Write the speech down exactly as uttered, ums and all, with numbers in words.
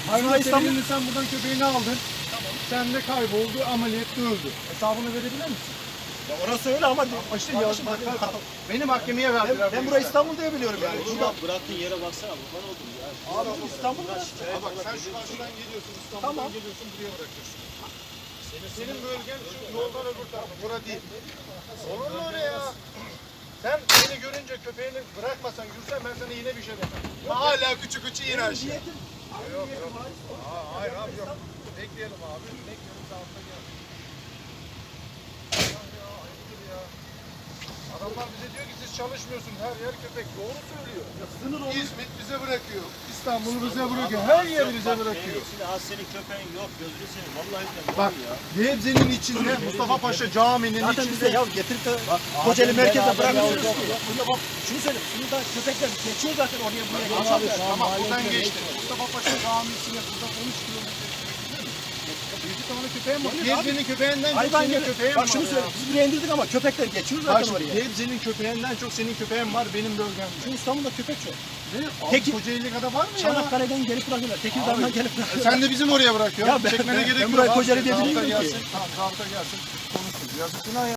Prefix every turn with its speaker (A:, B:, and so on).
A: Hayvan
B: İstanbul...
A: severinin sen buradan köpeğini aldın. Tamam. Sen de kayboldu, ameliyatta öldü. Hesabını verebilir misin?
B: Ya orası öyle ama işte ya,
A: Bak, bak, beni mahkemeye verdiler.
B: ben, ben burayı İstanbul diye biliyorum yani.
C: Oğlum abi bıraktığın yere baksana kurban oldum ya.
B: Abi İstanbul'da.
A: Ama bak sen şu karşıdan geliyorsun, İstanbul'dan
B: Tamam.
A: geliyorsun, buraya bırakıyorsun. Senin bölgen şu yoldan öbür tarafı, bura değil. Olur mu öyle ya? Sen beni görünce köpeğini bırakmasan, yürüsen ben sana yine bir şey demem. Hala küçük küçük yine aşağı. Yok yok. Aa, hayır abi yok. Bekleyelim abi. Bekleyelim saatte gel. Ya, ya, ayıptır ya. Adamlar bize diyor ki siz çalışmıyorsunuz. Her yer köpek. Doğru söylüyor. İzmit bize bırakıyor. İstanbul'u bize bırakıyor. Her yer bize bırakıyor.
C: Şimdi az senin köpeğin yok gözünü seveyim. Vallahi billahi.
A: Bak Gebze'nin içinde Mustafa Paşa Camii'nin
B: Zaten
A: içinde.
B: bize ya getirip de Kocaeli merkezde bırakıyorsunuz ki. Burada bak şunu söyle. Şunu da köpekler geçiyor zaten oraya buraya geçiyor.
A: Tamam buradan geçti. Mustafa Paşa Camii'sine buradan on üç kilometre. Bir tane köpeğim var. Gebze'nin köpeğinden çok
B: Hayvan
A: senin
B: gibi.
A: köpeğin var.
B: Bak şunu söyle. Biz buraya indirdik ama köpekler geçiyor
A: Bak
B: zaten
A: şimdi
B: oraya.
A: Gebze'nin köpeğinden çok senin köpeğin var benim bölgemde.
B: Şu İstanbul'da köpek çok.
A: Peki.
B: Peki.
A: Kocaeli kadar var mı ya?
B: Çanakkale'den gelip bırakıyorlar. Tekirdağ'dan gelip bırakıyorlar.
A: Sen de bizim oraya bırakıyorsun.
B: Ya ben-
A: Çekmene
B: ben-
A: gerek
B: ben
A: yok.
B: buraya
A: abi.
B: Kocaeli diye
A: Zabıta
B: bilmiyorum ki.
A: gelsin. Tamam zabıta gelsin. Konuşuruz. Yazık günah ya.